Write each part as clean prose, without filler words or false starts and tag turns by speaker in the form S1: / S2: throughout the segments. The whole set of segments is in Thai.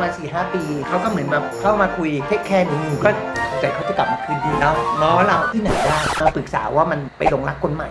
S1: มา4-5 ปีเขาก็เหมือนแบบเข้ามาคุยเทคแคร์หนูก็ใจเขาจะกลับมาคืนดีแล้วง้อเราที่ไหนได้มาปรึกษาว่ามันไปหลงรักคนใหม่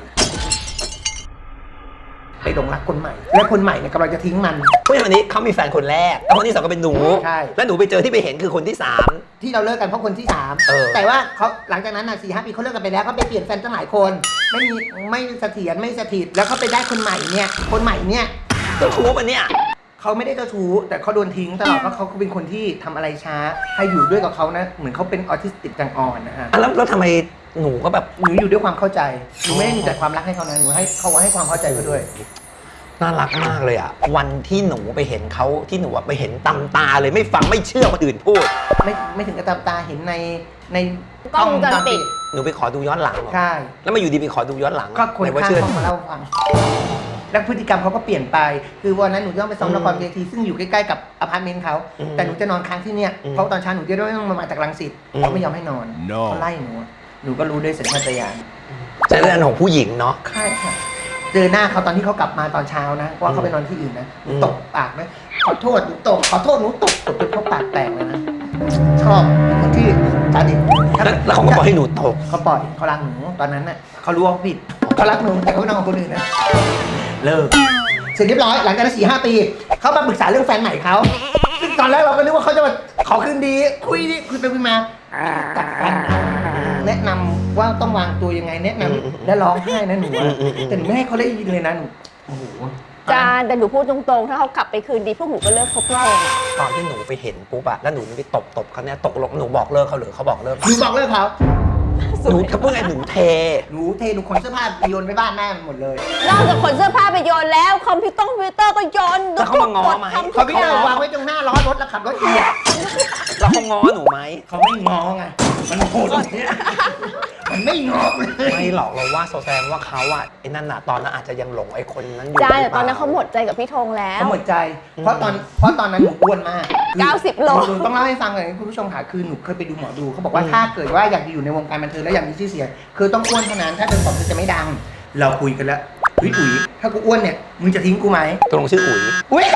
S1: ไปหลงรักคนใหม่แล้วคนใหม่เนี่ยกำลังจะทิ้งมัน
S2: ผู้ชายคนนี้เขามีแฟนคนแรกแล้วคนที่สองก็เป็นหนู
S1: ใช่
S2: แล้วหนูไปเจอที่ไปเห็นคือคนที่3
S1: ที่เราเลิกกันเพราะคนที่3แต่ว่าเขาหลังจากนั้น4-5 ปีเขาเลิกกันไปแล้วเขาไปเปลี่ยนแฟนตั้งหลายคนไม่เสถียรไม่สถิตแล้วเขาไปได้คนใหม่เนี่ยคนใหม่เนี่ย
S2: เจ้าชู้ปะเนี่ย
S1: เขาไม่ได้เจ้าชู้แต่เขาโดนทิ้งตลอดเพราะเขาเป็นคนที่ทำอะไรช้าให้อยู่ด้วยกับเขานะเหมือนเขาเป็นออทิสติกจังอ่อนนะฮะ
S2: แล้วทำไมหนูก็แบบ
S1: หนูอยู่ด้วยความเข้าใจหนูไม่ได้มีแต่ความรักให้เขานะหนูให้เขาให้ความเข้าใจเขาด้วย
S2: น่ารักมากเลยอ่ะวันที่หนูไปเห็นเขาที่หนูไปเห็นตำตาเลยไม่ฟังไม่เชื่อคนอื่นพูด
S1: ไม่ถึงกับตำตาเห็นใน
S3: กล้องวงจรปิด
S2: หนูไปขอดูย้อนหลัง
S1: ใช่
S2: แล้วมาอยู่ดีไปขอดูย้อนหลัง
S1: ก็คนข้างห้องมาเล่าฟังแล้วพฤติกรรมเขาก็เปลี่ยนไปคือวันนั้นหนูต้องไปซ้อมละครเวทีซึ่งอยู่ใกล้ๆกับอพาร์ตเมนต์เขาแต่หนูจะนอนค้างที่เนี่ยเพราะตอนเช้าหนูจะต้องมาจากรังสิตเขาไม่ยอมให้นอนเขาไล่หนูก็รู้ด้วยสัญชาตญาณ
S2: ใจเรื่องของผู้หญิงเนาะ
S1: ใช่ค่ะเจอหน้าเขาตอนที่เขากลับมาตอนเช้านะว่าเขาไปนอนที่อื่นนะตบปากนะขอโทษหนูตบขอโทษหนูตบจนเขาปากแตกเลยนะชอบคนที่สาดิต
S2: แล้วเขาก็ปล่อยให้หนูตบ
S1: เขาปล่อยเขารักหนูตอนนั้นน่ะเขารู้ว่าผิดเขารักหนูแต่เขาไม่นอนกับคนอื่นนะเลิกเสร็จเรียบร้อยหลังจากนั้น4-5 ปีเขามาปรึกษาเรื่องแฟนใหม่เขาซึ่งตอนแรกเราก็นึกว่าเขาจะมาขอคืนดีคุยไปคุยมากัดฟันแนะนำว่าต้องวางตัวยังไงแนะนำและร้องไห้นะหนูแต่หนูไม่ให้เขาได้ยินเลยนะหนูโอ้โห
S3: จานแต่หนูพูดตรงๆถ้าเขากลับไปคืนดีพวกหนูก็เลิกคบกัน
S2: ตอนที่หนูไปเห็นปุ๊บอะแล้วหนูไปตบเขาเนี่ยตกลงหนูบอกเลิกเขาหรือเขาบอกเลิก
S1: หนูบอกเลิกเขา
S2: หนูเขาพูดไงหนูเทห
S1: นูขนเสื้อผ้าโยนไปบ้านแม่หมดเลย
S3: นอกจากขนเสื้อผ้าไปโยนแล้วคอมพิวเตอร์ก็โยน
S2: แล้วเขามาง้อไหม
S1: เขาไม่ได้วางไว้ตรงหน้าล้อรถแล้วขับรถเอียด
S2: แล้วเขาง้อหนูไหม
S1: เขาไม่ง้อไงมันโหดมันไม่ง้อเลย
S2: ไม่หรอกเราว่าแสดงว่าเขาอะไอ้นั่นน่ะตอนนั้นอาจจะยังหลงไอ้คนนั้นอยู่
S3: ใช่แต่ตอนนั้นเขาหมดใจกับพี่ธงแล้ว
S1: เขาหมดใจเพราะตอนนั้นหนูอ้วนมาก
S3: 90 โล
S1: ต้องเล่าให้ฟังเลยคุณผู้ชมค่ะคือหนูเคยไปดูหมอดูเขาบอกว่าถ้าเกิดว่าอยากอยู่ในวงการบันเทิงแล้วอยากมีชื่อเสียงคือต้องอ้วนเท่านั้นถ้าเป็นผอมจะไม่ดังเราคุยกันแล้วอุ๋ยถ้ากูอ้วนเนี่ยมึงจะทิ้งกูไหม
S2: ตกลงชื่ออุ๋ย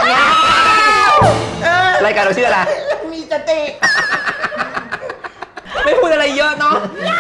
S2: รายการเราชื่ออะไร
S1: มีสติ
S2: ไม่พูดอะไรเยอะเนาะ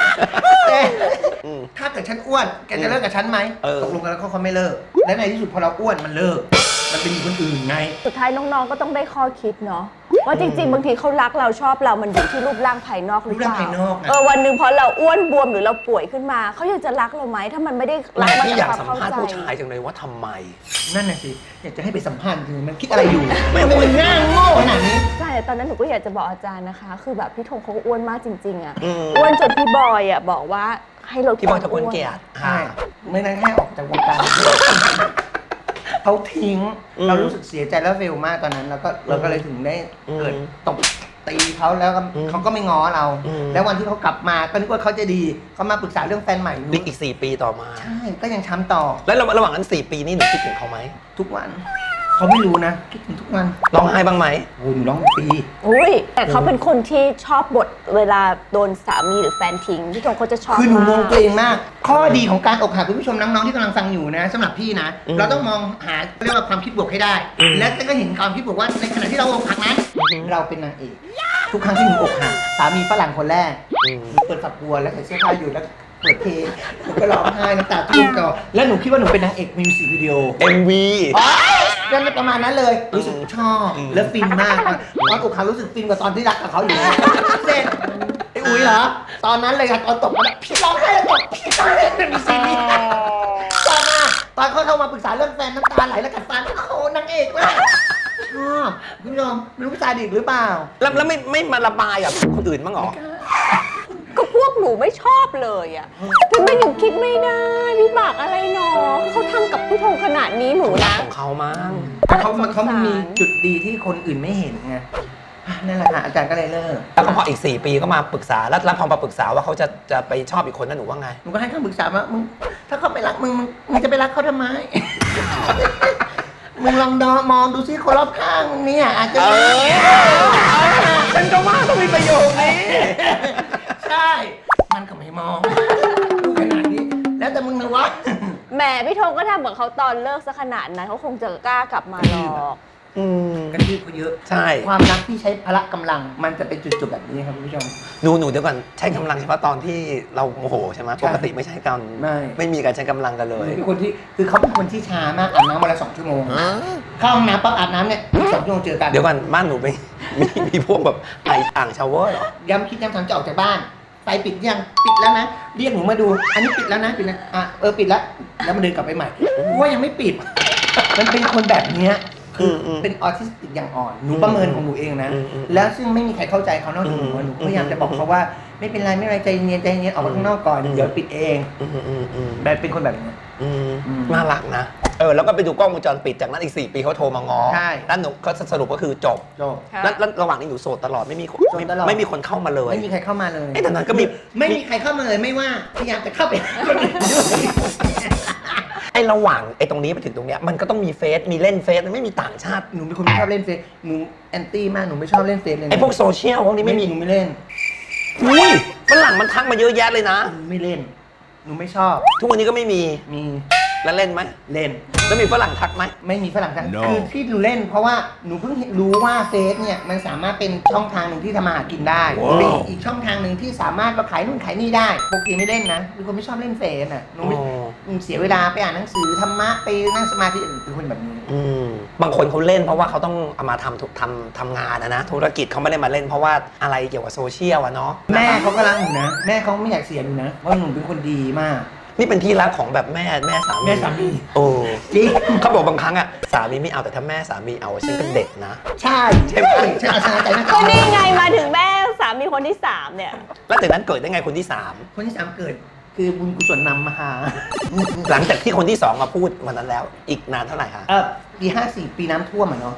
S1: ถ้าเกิดฉันอ้วนแกจะเลิกกับฉันไหมตกลงกันแล้วเขาไม่เลิกและในที่สุดพอเราอ้วนมันเลิกมันเป็นคนอื่นไง
S3: สุดท้ายน้องๆก็ต้องได้ข้อคิดเนาะว่าจริงๆบางทีเขารักเราชอบเรามันอยู่ที่รูปร่างภายนอกหรือเปล่าวันหนึ่งพอเราอ้วนบวมหรือเราป่วยขึ้นมาเขายังจะรักเราไหมถ้ามันไม่ได้รักมาจากความเข้าใจ
S2: ผู้ชายจังเลยว่าทำไม
S1: นั่นน่ะสิอยากจะให้ไปสัมภาษณ์คือมันคิดอะไรอยู่มันง่างโง่ขนาดนี้
S3: ใช่ตอนนั้นหนูก็อยากจะบอกอาจารย์นะคะคือแบบพี่ธงเขาอ้วนมากจริงๆอ่ะอ้วนจนพี่บอยอ่ะบอกว่าให้เรา
S2: พี่บอยจะอ้วนเกลียด
S1: ใช่ไม่นั้นแค่ออกจากวงการเขาทิ้งเรารู้สึกเสียใจแล้วเฟลมากตอนนั้นเราก็เลยถึงได้เกิดตบตีเขาแล้วเขาก็ไม่ง้อเราแล้ววันที่เขากลับมาก็นึกว่าเขาจะดีเขามาปรึกษาเรื่องแฟนใหม่
S2: อีก4 ปีต่อมา
S1: ใช่ก็ยังช้ำต่อ
S2: แล้วระหว่างนั้น4 ปีนี่หนูคิดถึงเขาไหม
S1: ทุกวันเขาไม่รู้นะคิดถึงทุกวัน
S2: ร้องไห้บ้างไหม
S1: โอ้หนูร้องปี
S3: อุ้ยแต่เขาเป็นคนที่ชอบบทเวลาโดนสามีหรือแฟนทิ้งพี่ธงเขาจะชอบ
S1: คือหนูมองตัวเองมากข้อดีของการอกหักคุณผู้ชมน้องๆที่กำลังฟังอยู่นะสำหรับพี่นะเราต้องมองหาเรียกว่าความคิดบวกให้ได้และก็เห็นความคิดบวกว่าในขณะที่เราอกหักนั้นเราเป็นนางเอกทุกครั้งที่หนูอกหักสามีฝรั่งคนแรกเปิดฝักบัวแล้วใส่เสื้อผ้าอยู่แล้วเปิดเพลงหนูก็ร้องไห้น้ำตาท่วมจอแล้วหนูคิดว่าหนูเป็นนางเอกมิวสิกวิดีโอ
S2: MV
S1: นั่นประมาณนั้นเลยรู้สึกชอบแล้วฟินมากตอนอกหักรู้สึกฟินกว่าตอนที่รักกับเขาอยู่เสร็จไอ้อุ๋ยเหรอตอนนั้นเลยค่ะตอนตบมันพี่ร้องไห้แล้วตบพี่ร้องไห้มีซีนนี้ต่อมาตอนเขาเข้ามาปรึกษาเรื่องแฟนน้ำตาไหลแล้วกัดฟันโอ้นางเอกมากชอบคุณผู้ชมไม่รู้ผู้ชายดีหรือเปล่า
S2: แล้วไม่มาระบายกับคนอื่นบ้างหรอ
S3: ก็พวกหนูไม่ชอบเลยอ่ะทำไมหนูคิดไม่ได้วิบากอะไรหนอเขาทำกับพี่ธงขนาดนี้หนูนะ
S2: ของเขามั้ง
S1: แต่เขามีจุดดีที่คนอื่นไม่เห็นไงนั่นแหละค่ะอาจารย์ก็เลยเลิก
S2: แล้วก็พออีก4 ปีก็มาปรึกษาแล้วพอมาปรึกษาว่าเขาจะไปชอบอีกคนนั้นหนูว่าไง
S1: หนูก็ให้คำปรึกษาว่ามึงถ้าเขาไม่รักมึงจะไปรักเขาทำไมมึงลองมองดูซิคนรอบข้างมึงเนี่ยอาจจะ
S2: ฉันก็ว่าต้องมีประโยชน์นี้
S1: ใช่มันก็ไม่มองขนาดนี้แล้วแต่มึงนะวะ
S3: แหมพี่ธงก็ทำกับเขาตอนเลิกซะขนาดนั้นเขาคงจะกล้ากลับมาหรอก
S1: กระทืบเขาเยอะ
S2: ใช่
S1: ความรักที่ใช้พละกำลังมันจะเป็นจุดๆแบบนี้ครับคุณผู้ชม
S2: หนูเดี๋ยวก่อนใช้กำลังเฉพาะตอนที่เราโมโหใช่ไหม
S1: ใช่
S2: ปกติไม่ใช่กัน ไม่มีการใช้กำลังกันเลย
S1: เป็นคนที่คือเขาเป็นคนที่ช้ามากอาบน้ำวันละ2 ชั่วโมงเข้าห้องน้ำปั๊บอาบน้ำเนี่ย2 ชั่วโมงเจอกัน
S2: เดี๋ยวก่อนบ้านหนูมีพวกแบบอ่างชาวเวอร์เหรอ
S1: ย้ำคิดย้ำทำจะออกจากบ้านไฟปิดยังปิดแล้วนะเรียกหนูมาดู อันนี้ปิดแล้วนะปิดแล้วปิดแล้วแล้วมันเดินกลับไปใหม่ว่ายังไม่ปิด มันเป็นคนแบบเนี้ยคือเป็นออทิสติกอย่างอ่อนหนูประเมินของหนูเองนะแล้วซึ่งไม่มีใครเข้าใจเขานอกจากหนูหนูพยายามจะบอกเขาว่าไม่เป็นไรไม่เป็นไรใจเย็นใจเย็นออกมาข้างนอกก่อนเดี๋ยวปิดเองแบบเป็นคนแบบนี้
S2: น่ารักนะแล้วก็ไปดูกล้องวงจรปิดจากนั้นอีก4 ปีเขาโทรมาง้อ
S1: ใช่
S2: แล้วหนูก็สรุปก็คือจบ
S3: ค่ะ
S2: แล้วระหว่างนี้หนูโสดตลอดไม่มีคน
S1: โสดตลอด
S2: ไม่มีคนเข้ามาเลย
S1: ไม่มีใครเข้ามาเลย
S2: แต่นั้นก็มี
S1: ไม่มีใครเข้ามาเลยไม่ว่าพยายามจะเข้าไปหาคนอื่นด้วย
S2: ไอ้ระหว่างไอ้ตรงนี้ไปถึงตรงเนี้ยมันก็ต้องมีเฟซมีเล่นเฟซไม่มีต่างชาติ
S1: หนูเป็นคนไม่ชอบเล่นเฟซหนูแอนตี้มากหนูไม่ชอบเล่นเฟซเลยนะ
S2: ไอ้พวกโซเชียลพวกนี้ไม่มี
S1: หนูไม่เล่น
S2: อุ้ยฝรั่งมันทักมาเยอะแยะเลยนะ
S1: หนูไม่เล่นหนูไม่ชอบ
S2: ทุกวันนี้ก็ไม่มี
S1: มี
S2: แล้วเล่นไหม
S1: เล่น
S2: แล้วมีฝรั่งทักไหม
S1: ไม่มีฝรั่งทักคือที่หนูเล่นเพราะว่าหนูเพิ่งรู้ว่าเฟซเนี่ยมันสามารถเป็นช่องทางหนึ่งที่ทำมาหากินได้เป็นอีกช่องทางหนึ่งที่สามารถมาขายนู่นขายนี่ได้ปกติไม่เล่นนะเป็นคนไม่ชอบเล่นเฟซน่ะหนูไม่เสียเวลาไปอ่านหนังสือธรรมะไปนั่งสมาธิเป็นคนแบบนี้
S2: บางคนเขาเล่นเพราะว่าเขาต้องเอามาทำงานนะธุรกิจเขาไม่ได้มาเล่นเพราะว่าอะไรเกี่ยวกับโซเชียลอะเนาะ
S1: แม่เขาก็รักหนูนะแม่เขาไม่อยากเสียหนูนะเพราะหนูเป็นคนดีมาก
S2: นี่เป็นที่รักของแบบแม่สามี
S1: แม่สามี
S2: โอ้
S1: จริง
S2: เขาบอกบางครั้งอะสามีไม่เอาแต่ถ้าแม่สามีเอาฉันก็เด็ดนะ
S1: ใช่ใช่ไหมใช่อาจารย์ใจนะ
S3: ก็นี่ไงมาถึงแม่สามีคนที่ 3 เนี่ย
S2: แล้วจากนั้นเกิดได้ไงคนที่
S1: คนที่ 3เกิดคือบุญกุศลนำมาหา
S2: 3 หลังจากที่คนที่ 2มาพูดวันนั้นแล้วอีกนานเท่าไหร่คะ
S1: ปี54ปีน้ำท่วมอ่ะเนาะ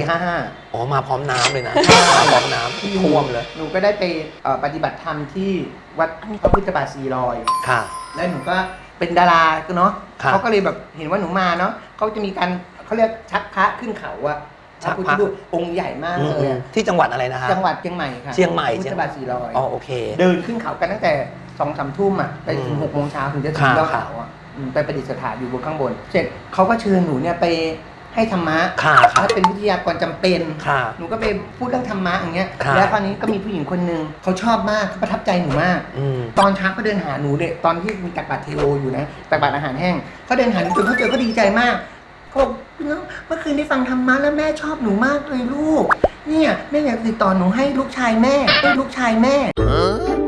S1: 54
S2: อ๋อมาพร้อมน้ำเลยนะมาพร้อมน้ำ
S1: 55
S2: ท่วมเลย
S1: หนูก็ได้ไปปฏิบัติธรรมที่วัดพระพุทธบาท400
S2: ค่ะ
S1: แล้วหนูก็เป็นดาราเนาะ
S2: ครับ
S1: เขาก็เลยแบบเห็นว่าหนูมาเนาะเขาจะมีการเขาเรียกชักพระขึ้นเขาอะ
S2: ชัก
S1: พุท
S2: พระ
S1: ธรูปองค์ใหญ่มากเลยอะ
S2: ที่จังหวัดอะไรนะคะ
S1: จังหวัดเชียงใหม่ค่ะ
S2: เชียงใหม่
S1: พุทธบาท400
S2: อ๋อโอเค
S1: เดินขึ้นเขากันตั้งแต่2-3 ทุ่มอ่ะไปถึง6 โมงเช้าถึงจะถึงยอดเขาอ่ะไปประดิษฐานอยู่บนข้างบนเสร็จเขาก็เชิญหนูเนี่ยไปให้ธรรมะ
S2: ค่ะ
S1: ถ้าเป็นวิทยากรจำเป็น
S2: ค่ะ
S1: หนูก็ไปพูดเรื่องธรรมะอย่างเงี้ย
S2: ค่ะ
S1: แล้วคราวนี้ก็มีผู้หญิงคนหนึ่งเขาชอบมากเขาประทับใจหนูมาก ตอนเช้าเขาเดินหาหนูเลยตอนที่มีตักบาตรเทโออยู่นะตักบาตรอาหารแห้งเขาเดินหาหนูจนเขาเจอก็ดีใจมากเขาบอกเมื่อคืนได้ฟังธรรมะแล้วแม่ชอบหนูมากเลยลูกเนี่ยแม่อยากติดต่อหนูให้ลูกชายแม่